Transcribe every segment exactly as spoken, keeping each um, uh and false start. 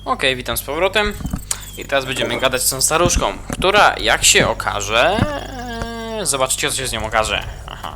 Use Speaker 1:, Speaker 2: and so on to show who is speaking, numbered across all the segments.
Speaker 1: Okej, witam z powrotem. I teraz będziemy gadać z tą staruszką, która, jak się okaże... Zobaczcie, co się z nią okaże. Aha.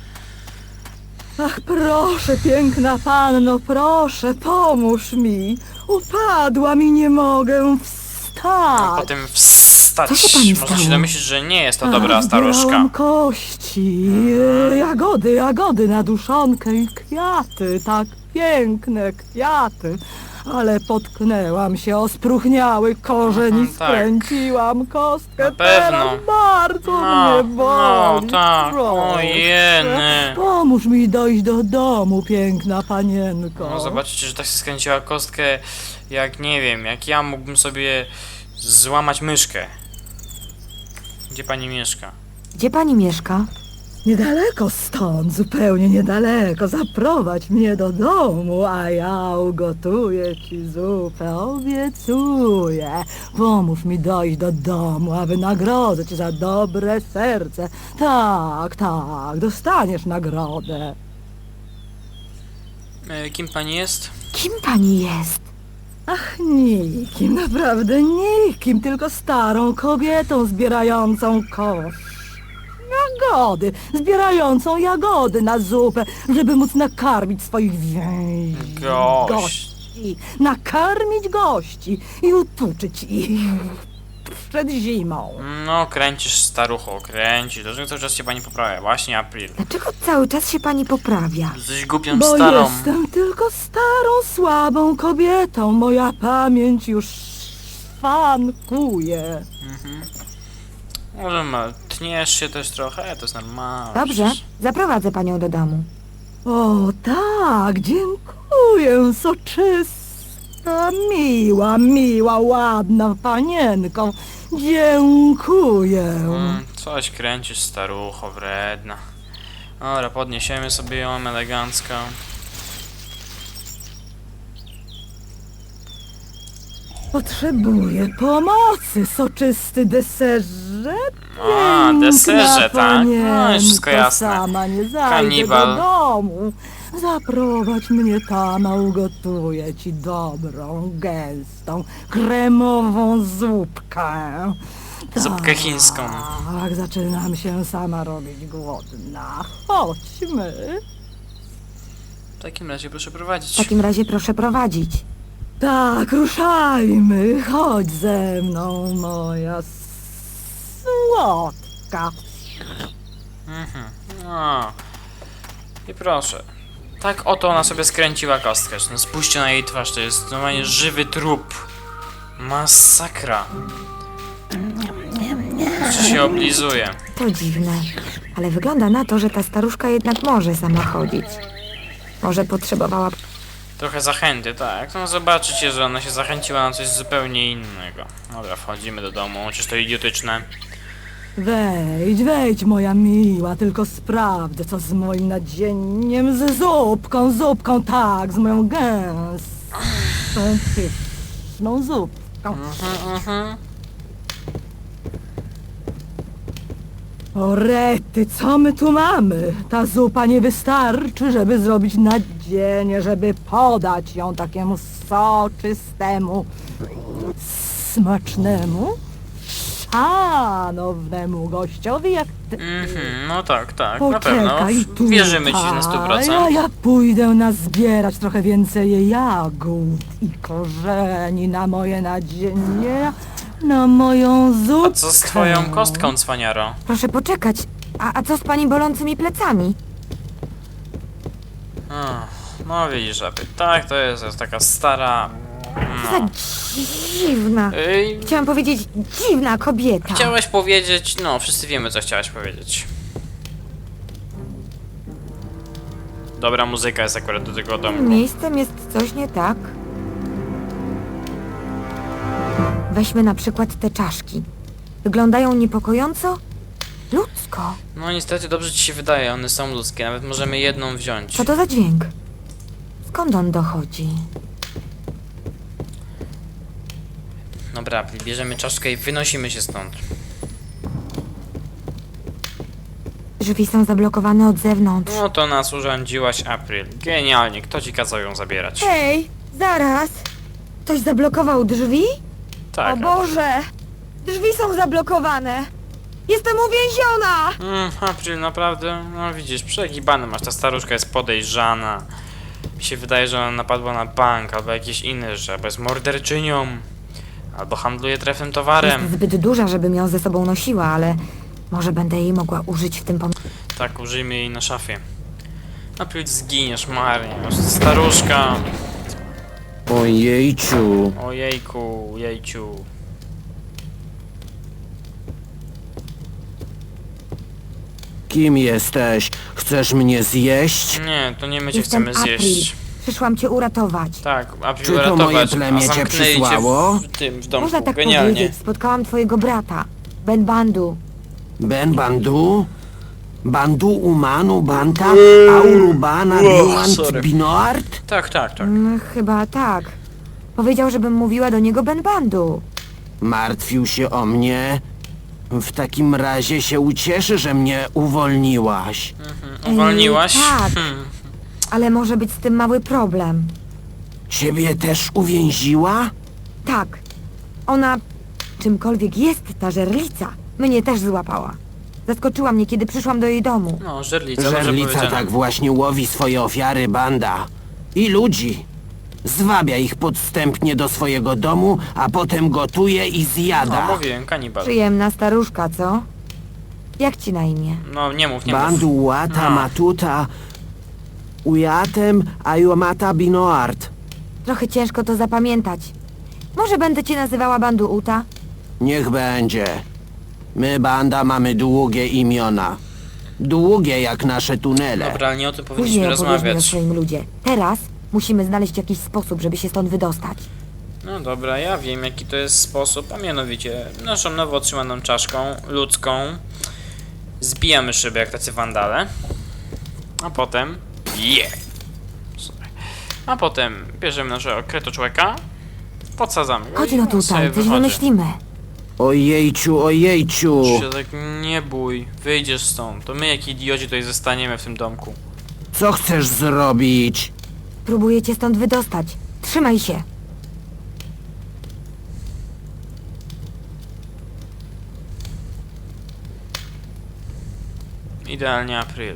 Speaker 2: Ach, proszę, piękna panno, proszę, pomóż mi. Upadłam i nie mogę wstać.
Speaker 1: Potem wstać.
Speaker 3: Co się pani
Speaker 1: Można się
Speaker 3: stało?
Speaker 1: domyślić, że nie jest to dobra
Speaker 2: Ach,
Speaker 1: staruszka.
Speaker 2: zbierałam kości, e, jagody, jagody na duszonkę i kwiaty, tak piękne kwiaty. Ale potknęłam się o spróchniały korzeń i
Speaker 1: Mhm, tak.
Speaker 2: skręciłam kostkę.
Speaker 1: Na pewno.
Speaker 2: Teraz bardzo
Speaker 1: No,
Speaker 2: mnie boli.
Speaker 1: no, tak.
Speaker 2: Proszę.
Speaker 1: Ojeny.
Speaker 2: Pomóż mi dojść do domu, piękna panienko.
Speaker 1: No zobaczycie, że tak się skręciła kostkę, jak nie wiem, jak ja mógłbym sobie złamać myszkę. Gdzie pani mieszka?
Speaker 3: Gdzie pani mieszka?
Speaker 2: Niedaleko stąd, zupełnie niedaleko. Zaprowadź mnie do domu, a ja ugotuję ci zupę, obiecuję. Pomóż mi dojść do domu, a wynagrodzę cię za dobre serce. Tak, tak, dostaniesz nagrodę.
Speaker 1: E, kim pani jest?
Speaker 3: Kim pani jest?
Speaker 2: Ach, nikim, naprawdę nikim, tylko starą kobietą zbierającą kosz. Jagody, zbierającą jagody na zupę, żeby móc nakarmić swoich więź...
Speaker 1: Gość.
Speaker 2: gości. Nakarmić gości i utuczyć ich przed zimą.
Speaker 1: No, kręcisz starucho, kręcisz. Dlaczego cały czas się pani poprawia? Właśnie April.
Speaker 3: Dlaczego cały czas się pani poprawia?
Speaker 1: Jesteś głupią
Speaker 2: Bo
Speaker 1: starą.
Speaker 2: jestem tylko starą, słabą kobietą. Moja pamięć już szwankuje.
Speaker 1: Może ma, tniesz się też trochę, to jest normalne.
Speaker 3: Dobrze,
Speaker 1: przecież.
Speaker 3: zaprowadzę panią do domu.
Speaker 2: O tak, dziękuję, soczysta, miła, miła, ładna panienko. Dziękuję.
Speaker 1: Mm, coś kręcisz starucho, wredna. Dobra, podniesiemy sobie ją elegancko.
Speaker 2: Potrzebuję pomocy, soczysty deserze.
Speaker 1: A,
Speaker 2: Piękna
Speaker 1: deserze, tak? No, już wszystko
Speaker 2: panienko,
Speaker 1: jasne.
Speaker 2: sama nie zajdę
Speaker 1: Kanibal.
Speaker 2: do domu. Zaprowadź mnie tam, a ugotuję ci dobrą, gęstą, kremową zupkę.
Speaker 1: Zupkę chińską.
Speaker 2: Tak, zaczynam się sama robić głodna. Chodźmy.
Speaker 1: W takim razie proszę
Speaker 3: W
Speaker 1: prowadzić.
Speaker 3: takim razie proszę prowadzić.
Speaker 2: Tak, ruszajmy. Chodź ze mną, moja słodka.
Speaker 1: Mhm. No. I proszę. Tak oto ona sobie skręciła kostkę. No spójrzcie na jej twarz, to jest normalnie żywy trup. Masakra. Jeszcze się oblizuje.
Speaker 3: To dziwne, ale wygląda na to, że ta staruszka jednak może sama chodzić. Może potrzebowała...
Speaker 1: Trochę zachęty, tak. No zobaczycie, że ona się zachęciła na coś zupełnie innego. Dobra, wchodzimy do domu, chociaż to idiotyczne.
Speaker 2: Wejdź, wejdź, moja miła, tylko sprawdzę, co z moim nadzieniem, z zupką, zupką, tak, z moją gęstą, pyszną zupką.
Speaker 1: Mhm, mhm.
Speaker 2: O rety, co my tu mamy? Ta zupa nie wystarczy, żeby zrobić nadzienie, żeby podać ją takiemu soczystemu, smacznemu, szanownemu gościowi jak ty.
Speaker 1: Mhm, no tak, tak, na pewno.
Speaker 2: Poczekaj tu,
Speaker 1: Wierzymy ci na sto
Speaker 2: a
Speaker 1: procent.
Speaker 2: ja pójdę nazbierać trochę więcej jagód i korzeni na moje nadzienie, na moją zupkę.
Speaker 1: A co z twoją kostką, cwaniaro?
Speaker 3: Proszę poczekać. A, a co z pani bolącymi plecami?
Speaker 1: Ach, no widzisz, aby tak, to jest, jest taka stara...
Speaker 3: Za
Speaker 1: No.
Speaker 3: dziwna.
Speaker 1: Ej,
Speaker 3: Chciałam powiedzieć dziwna kobieta.
Speaker 1: chciałaś powiedzieć, no wszyscy wiemy, co chciałaś powiedzieć. Dobra muzyka jest akurat do tego domu.
Speaker 3: Miejscem jest coś nie tak. Weźmy na przykład te czaszki. Wyglądają niepokojąco ludzko.
Speaker 1: No niestety dobrze ci się wydaje, one są ludzkie, nawet możemy jedną wziąć.
Speaker 3: Co to za dźwięk? Skąd on dochodzi?
Speaker 1: Dobra, bierzemy czaszkę i wynosimy się stąd.
Speaker 3: Drzwi są zablokowane od zewnątrz.
Speaker 1: No to nas urządziłaś, April. Genialnie, kto ci kazał ją zabierać?
Speaker 3: Hej, zaraz! Ktoś zablokował drzwi?
Speaker 1: Tak.
Speaker 3: O Boże! Drzwi są zablokowane! Jestem uwięziona!
Speaker 1: Mm, April, naprawdę? No widzisz, przegibany masz, ta staruszka jest podejrzana. Mi się wydaje, że ona napadła na bank, albo jakieś inne rzeczy, albo jest morderczynią, albo handluje trefnym towarem.
Speaker 3: Jest zbyt duża, żebym ją ze sobą nosiła, ale może będę jej mogła użyć w tym pom...
Speaker 1: Tak, użyjmy jej na szafie. April, zginiesz marnie, no, staruszka.
Speaker 4: Ojejciu.
Speaker 1: Ojejku, jejciu.
Speaker 4: Kim jesteś? Chcesz mnie zjeść?
Speaker 1: Nie, to nie my cię
Speaker 3: Jestem
Speaker 1: chcemy
Speaker 3: April.
Speaker 1: zjeść.
Speaker 3: Przyszłam cię uratować.
Speaker 1: Tak, April
Speaker 4: Czy to
Speaker 1: uratować,
Speaker 4: moje plemię
Speaker 1: a
Speaker 4: cię
Speaker 1: zamknęli
Speaker 4: przysłało?
Speaker 1: cię w tym, w domku,
Speaker 3: Można tak
Speaker 1: genialnie.
Speaker 3: powiedzieć. Spotkałam twojego brata, Ben Bandu.
Speaker 4: Ben Bandu? Bandu Umanu Banta? Aurubana Biuant
Speaker 1: sorry.
Speaker 4: Binoart?
Speaker 1: Tak, tak, tak.
Speaker 3: Mm, chyba tak. Powiedział, żebym mówiła do niego Ben Bandu.
Speaker 4: Martwił się o mnie? W takim razie się ucieszy, że mnie uwolniłaś.
Speaker 1: Mhm. Uwolniłaś?
Speaker 3: Yy, tak.
Speaker 1: Hmm.
Speaker 3: Ale może być z tym mały problem.
Speaker 4: Ciebie też uwięziła?
Speaker 3: Tak. Ona, czymkolwiek jest ta żerlica, mnie też złapała. Zaskoczyła mnie, kiedy przyszłam do jej domu.
Speaker 1: No, żerlica, dobrze
Speaker 4: Żerlica
Speaker 1: powiedziane.
Speaker 4: tak właśnie łowi swoje ofiary, Banda. I ludzi. Zwabia ich podstępnie do swojego domu, a potem gotuje i
Speaker 1: No,
Speaker 4: zjada.
Speaker 1: mówiłem, kanibal.
Speaker 3: Przyjemna staruszka, co? Jak ci na imię?
Speaker 1: No, nie mów, nie mów.
Speaker 4: Bandu łata
Speaker 1: No.
Speaker 4: matuta ujatem ayomata binoart.
Speaker 3: Trochę ciężko to zapamiętać. Może będę cię nazywała Bandu Uta?
Speaker 4: Niech będzie. My, banda, mamy długie imiona. Długie jak nasze tunele.
Speaker 1: Dobra, ale nie o tym powinniśmy
Speaker 3: Później opowiesz mi o
Speaker 1: rozmawiać.
Speaker 3: swoim ludzie. Teraz musimy znaleźć jakiś sposób, żeby się stąd wydostać.
Speaker 1: No dobra, ja wiem jaki to jest sposób, a mianowicie naszą nowo otrzymaną czaszką ludzką zbijamy szyby jak tacy wandale, a potem yeah. Sorry. A potem bierzemy naszego kretoczłeka, podsadzamy go
Speaker 3: Chodź
Speaker 1: i
Speaker 3: no
Speaker 1: on sobie
Speaker 3: tutaj, coś
Speaker 1: wychodzi.
Speaker 3: wymyślimy.
Speaker 4: Ojejciu, ojejciu.
Speaker 1: Się tak nie bój, wyjdziesz stąd, to my jak idioci tutaj zostaniemy w tym domku.
Speaker 4: Co chcesz zrobić?
Speaker 3: Próbuję cię stąd wydostać. Trzymaj się.
Speaker 1: Idealnie April.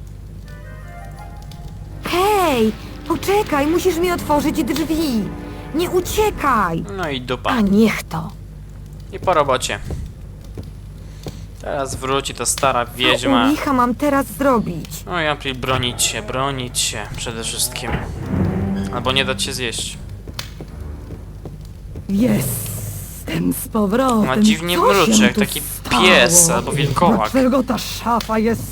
Speaker 3: Hej! Poczekaj, musisz mi otworzyć drzwi. Nie uciekaj!
Speaker 1: No i dupa.
Speaker 3: A niech to.
Speaker 1: I po robocie. Teraz wróci ta stara
Speaker 3: Co u
Speaker 1: wiedźma.
Speaker 3: licha mam teraz zrobić?
Speaker 1: No i April, bronić się, bronić się przede wszystkim. Albo nie dać się zjeść.
Speaker 2: Jestem z powrotem.
Speaker 1: Ma dziwnie
Speaker 2: Co się
Speaker 1: mruczy,
Speaker 2: mu
Speaker 1: jak
Speaker 2: tu
Speaker 1: taki
Speaker 2: stało?
Speaker 1: pies albo wilkołak.
Speaker 2: Dlaczego ta szafa jest...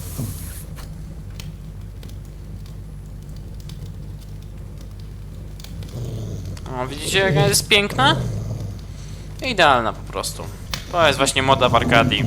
Speaker 1: O, widzicie jaka jest piękna? Idealna po prostu. To jest właśnie moda w Arkadii.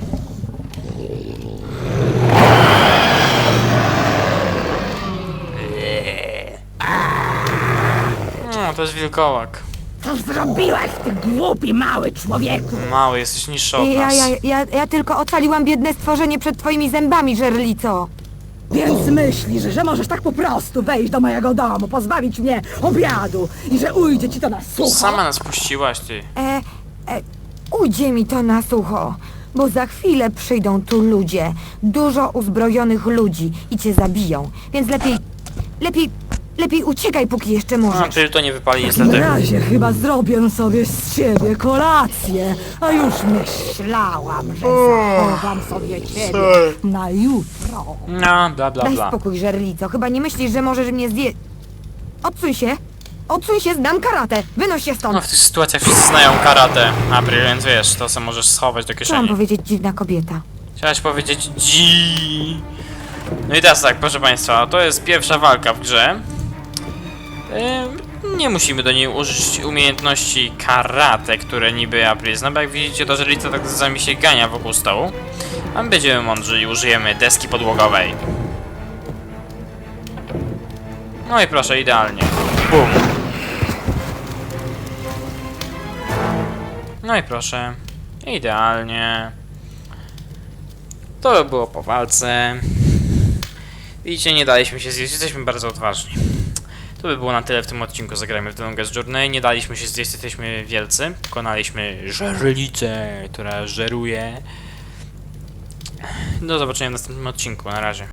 Speaker 1: No, to jest wilkołak.
Speaker 2: Co zrobiłeś, ty głupi mały człowieku?
Speaker 1: Mały, jesteś niższy od
Speaker 3: Ja,
Speaker 1: nas.
Speaker 3: ja, ja, ja tylko ocaliłam biedne stworzenie przed twoimi zębami, żerlico.
Speaker 2: Więc myślisz, że możesz tak po prostu wejść do mojego domu, pozbawić mnie obiadu i że ujdzie ci to na sucho?
Speaker 1: Sama nas puściłaś, ty.
Speaker 3: E, e, ujdzie mi to na sucho, bo za chwilę przyjdą tu ludzie, dużo uzbrojonych ludzi i cię zabiją, więc lepiej, lepiej, lepiej uciekaj, póki jeszcze
Speaker 1: A,
Speaker 3: możesz.
Speaker 1: April to nie wypali
Speaker 2: W
Speaker 1: niestety.
Speaker 2: razie chyba zrobię sobie z ciebie kolację, a już myślałam, że zachowam sobie ciebie na jutro.
Speaker 1: No, bla bla
Speaker 3: Daj
Speaker 1: bla.
Speaker 3: spokój, żerlico, chyba nie myślisz, że możesz mnie zje... Odsuń się, odsuń się, znam karate, wynoś się
Speaker 1: No
Speaker 3: stąd.
Speaker 1: w tych sytuacjach wszyscy znają karate, April, więc wiesz, to co możesz schować do
Speaker 3: Co mam
Speaker 1: kieszeni.
Speaker 3: powiedzieć, dziwna kobieta?
Speaker 1: Chciałaś powiedzieć dzi. No i teraz tak, proszę państwa, to jest pierwsza walka w grze. Ym, nie musimy do niej użyć umiejętności karate, które niby April zna, bo jak widzicie to żelica tak z nami się gania wokół stołu. A my będziemy mądrzy i użyjemy deski podłogowej. No i proszę, idealnie. Bum. No i proszę, idealnie. To by było po walce. Widzicie, nie daliśmy się zjeść, jesteśmy bardzo odważni. To by było na tyle w tym odcinku. Zagrajmy w The Longest Journey. Nie daliśmy się zjeść, jesteśmy wielcy. Pokonaliśmy żerlicę, która żeruje. Do zobaczenia w następnym odcinku. Na razie.